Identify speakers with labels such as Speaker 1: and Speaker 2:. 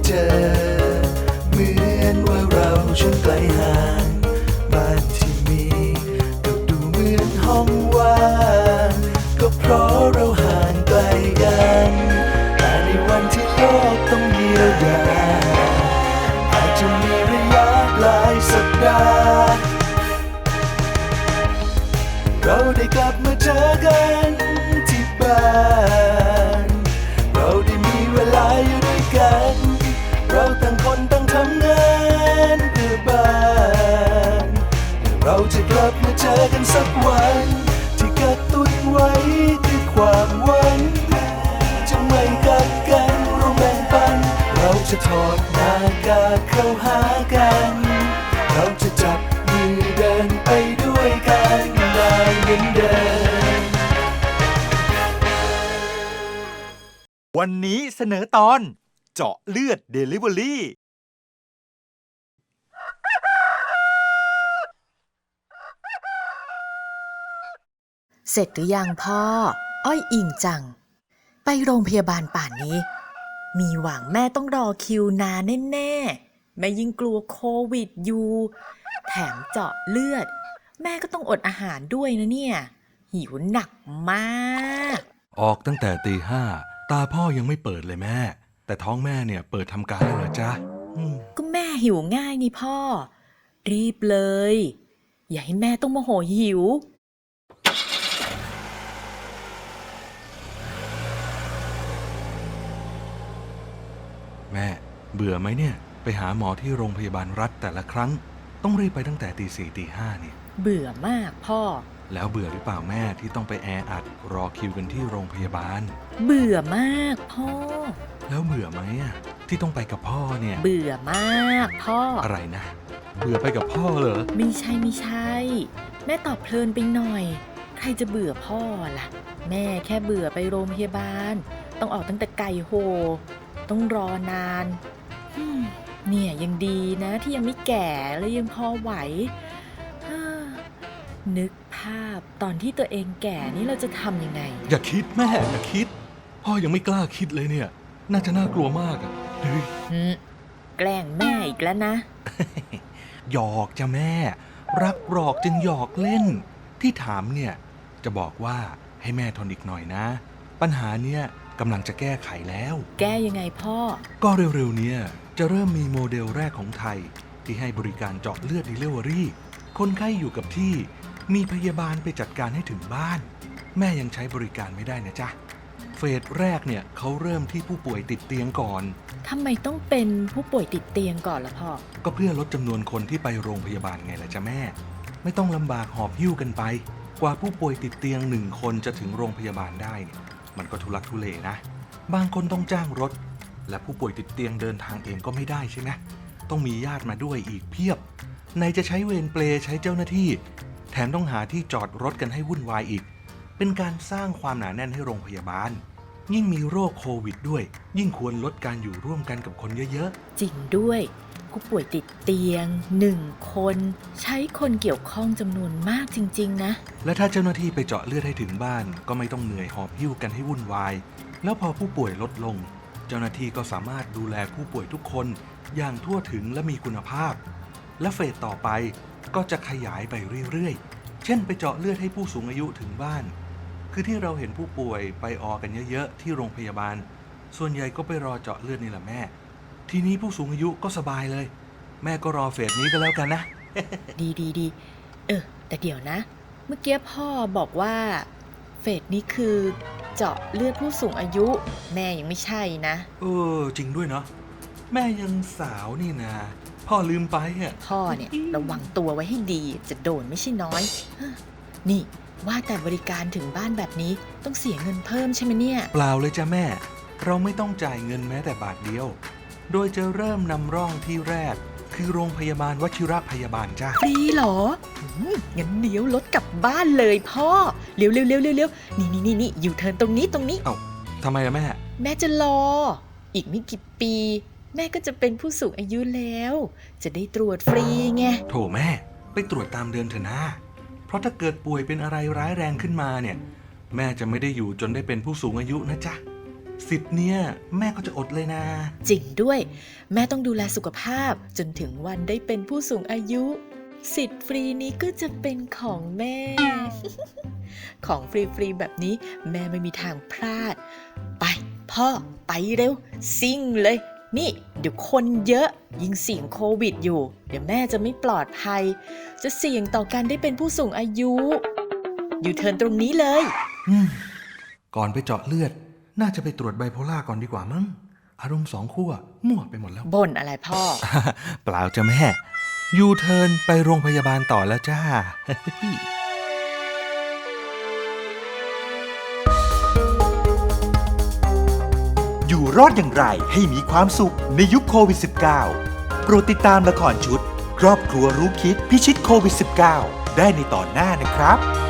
Speaker 1: เจอเหมือนว่าเราช่างไกลห่างบ้านที่มีก็ดูเหมือนห้องว่างก็เพราะเราห่างไกลกันแต่ในวันที่โลกต้องเยียวยาอาจจะมีระยะหลายสัปดาห์เราได้กลับมาเจอกันที่บ้านเราได้มีเวลาอยู่ด้วยกันเราต่างคนต่างทำงานเพื่อบ้านเราจะกลับมาเจอกันสักวันที่กระตุ้นไว้ด้วยความหวังจะไม่กัดกันเราแบ่งปันเราจะถอดหน้ากากเข้าหากันเราจะจับมือเดินไปด้วยกันได้เหมือนเดิม
Speaker 2: วันนี้เสนอตอนเจาะเลือด Delivery
Speaker 3: เสร็จหรือยังพ่ออ้อยอิงจังไปโรงพยาบาลป่านนี้มีหวังแม่ต้องรอคิวนานแน่ๆแม่ยิ่งกลัวโควิดอยู่แถมเจาะเลือดแม่ก็ต้องอดอาหารด้วยนะเนี่ยหิวหนักมาก
Speaker 4: ออกตั้งแต่ตี 5ตาพ่อยังไม่เปิดเลยแม่แต่ท้องแม่เนี่ยเปิดทำการแล้วเหรอจ๊ะ
Speaker 3: ก็แม่หิวง่ายนี่พ่อรีบเลยอย่าให้แม่ต้องโมโหหิว
Speaker 4: แม่เบื่อไหมเนี่ยไปหาหมอที่โรงพยาบาลรัฐแต่ละครั้งต้องรีบไปตั้งแต่ตี 4 ตี 5เนี่ย
Speaker 3: เบื่อมากพ่อ
Speaker 4: แล้วเบื่อหรือเปล่าแม่ที่ต้องไปแออัดรอคิวกันที่โรงพยาบาล
Speaker 3: เบื่อมากพ่อ
Speaker 4: แล้วเบื่อไหมที่ต้องไปกับพ่อเนี่ย
Speaker 3: เบื่อมากพ่อ
Speaker 4: อะไรนะเบื่อไปกับพ่อเหรอ
Speaker 3: ไม่ใช่แม่ตอบเพลินไปหน่อยใครจะเบื่อพ่อล่ะแม่แค่เบื่อไปโรงพยาบาลต้องออกตั้งแต่ไก่โหต้องรอนานเนี่ยยังดีนะที่ยังไม่แก่และยังพอไหวนึกภาพตอนที่ตัวเองแก่นี่เราจะทำยังไง
Speaker 4: อย่าคิดแม่อย่าคิดพ่อยังไม่กล้าคิดเลยเนี่ยน่าจะน่ากลัวมากเฮ้ย
Speaker 3: แกล้งแม่อีกแล้วนะ
Speaker 4: หยอกจ้ะแม่รักหลอกจึงหยอกเล่นที่ถามเนี่ยจะบอกว่าให้แม่ทนอีกหน่อยนะปัญหาเนี่ยกำลังจะแก้ไขแล้ว
Speaker 3: แก้ยังไงพ่อ
Speaker 4: ก็เร็วๆเนี่ยจะเริ่มมีโมเดลแรกของไทยที่ให้บริการเจาะเลือด Delivery คนไข้อยู่กับที่มีพยาบาลไปจัดการให้ถึงบ้านแม่ยังใช้บริการไม่ได้นะจ๊ะเฟสแรกเนี่ยเขาเริ่มที่ผู้ป่วยติดเตียงก่อน
Speaker 3: ทำไมต้องเป็นผู้ป่วยติดเตียงก่อนล่ะพ่อ
Speaker 4: ก็เพื่อลดจำนวนคนที่ไปโรงพยาบาลไงล่ะจ๊ะแม่ไม่ต้องลำบากหอบหิ้วกันไปกว่าผู้ป่วยติดเตียง1 คนจะถึงโรงพยาบาลได้เนี่ยมันก็ทุลักทุเลนะบางคนต้องจ้างรถและผู้ป่วยติดเตียงเดินทางเองก็ไม่ได้ใช่ไหมต้องมีญาติมาด้วยอีกเพียบไหนจะใช้เวรเปลใช้เจ้าหน้าที่แถมต้องหาที่จอดรถกันให้วุ่นวายอีกเป็นการสร้างความหนาแน่นให้โรงพยาบาลยิ่งมีโรคโควิดด้วยยิ่งควรลดการอยู่ร่วมกันกับคนเยอะ
Speaker 3: ๆจริงด้วยผู้ป่วยติดเตียง1 คนใช้คนเกี่ยวข้องจำนวนมากจริงๆนะ
Speaker 4: และถ้าเจ้าหน้าที่ไปเจาะเลือดให้ถึงบ้านก็ไม่ต้องเหนื่อยหอบหิ้วกันให้วุ่นวายแล้วพอผู้ป่วยลดลงเจ้าหน้าที่ก็สามารถดูแลผู้ป่วยทุกคนอย่างทั่วถึงและมีคุณภาพและเฟสต่อไปก็จะขยายไปเรื่อยๆเช่นไปเจาะเลือดให้ผู้สูงอายุถึงบ้านคือที่เราเห็นผู้ป่วยไปออกันเยอะๆที่โรงพยาบาลส่วนใหญ่ก็ไปรอเจาะเลือดนี่แหละแม่ทีนี้ผู้สูงอายุก็สบายเลยแม่ก็รอเฟสนี้ก็แล้วกันนะ
Speaker 3: ดีแต่เดี๋ยวนะเมื่อกี้พ่อบอกว่าเฟสนี้คือเจาะเลือดผู้สูงอายุแม่ยังไม่ใช่นะ
Speaker 4: จริงด้วยเนาะแม่ยังสาวนี่นะพ่อลืมไป
Speaker 3: พ่อเนี่ยระวังตัวไว้ให้ดีจะโดนไม่ใช่น้อยนี่ว่าแต่บริการถึงบ้านแบบนี้ต้องเสียเงินเพิ่มใช่ไหมเนี่ย
Speaker 4: เปล่าเลยจ้ะแม่เราไม่ต้องจ่ายเงินแม้แต่บาทเดียวโดยจะเริ่มนำร่องที่แรกคือโรงพยาบาลวชิรพยาบาลจ้ะ
Speaker 3: ฟรีเหรองั้นเดี๋ยวรถกลับบ้านเลยพ่อเร็วนี่อยู่เทิร์นตรงนี้
Speaker 4: เอ้าทำไมล่ะ
Speaker 3: แม่จะรออีกไม่กี่ปีแม่ก็จะเป็นผู้สูงอายุแล้วจะได้ตรวจฟรีไง
Speaker 4: โถแม่ไปตรวจตามเดือนเถอะนะเพราะถ้าเกิดป่วยเป็นอะไรร้ายแรงขึ้นมาเนี่ยแม่จะไม่ได้อยู่จนได้เป็นผู้สูงอายุนะจ๊ะสิทธิ์เนี่ยแม่ก็จะอดเลยนะ
Speaker 3: จริงด้วย แม่ต้องดูแลสุขภาพจนถึงวันได้เป็นผู้สูงอายุ สิทธิ์ฟรีนี้ก็จะเป็นของแม่ ของฟรีๆแบบนี้แม่ไม่มีทางพลาด ไปพ่อไปเร็วซิ่งเลย นี่เดี๋ยวคนเยอะยิ่งเสี่ยงโควิดอยู่ เดี๋ยวแม่จะไม่ปลอดภัย จะเสี่ยงต่อการได้เป็นผู้สูงอายุ อยู่เทิร์นตรงนี้เลย
Speaker 4: ก่อนไปเจาะเลือด น่าจะไปตรวจไบโพล่าก่อนดีกว่ามั้ง อารมณ์สองขั้วมั่วไปหมดแล้ว
Speaker 3: บ่นอะไรพ่อ
Speaker 4: เปล่าจ้ะแม่ ยูเทิร์นไปโรงพยาบาลต่อแล้วจ้า
Speaker 2: อยู่รอดอย่างไรให้มีความสุขในยุคโควิด -19 โปรดติดตามละครชุด ครอบครัวรู้คิดพิชิตโควิด -19 ได้ในตอนหน้านะครับ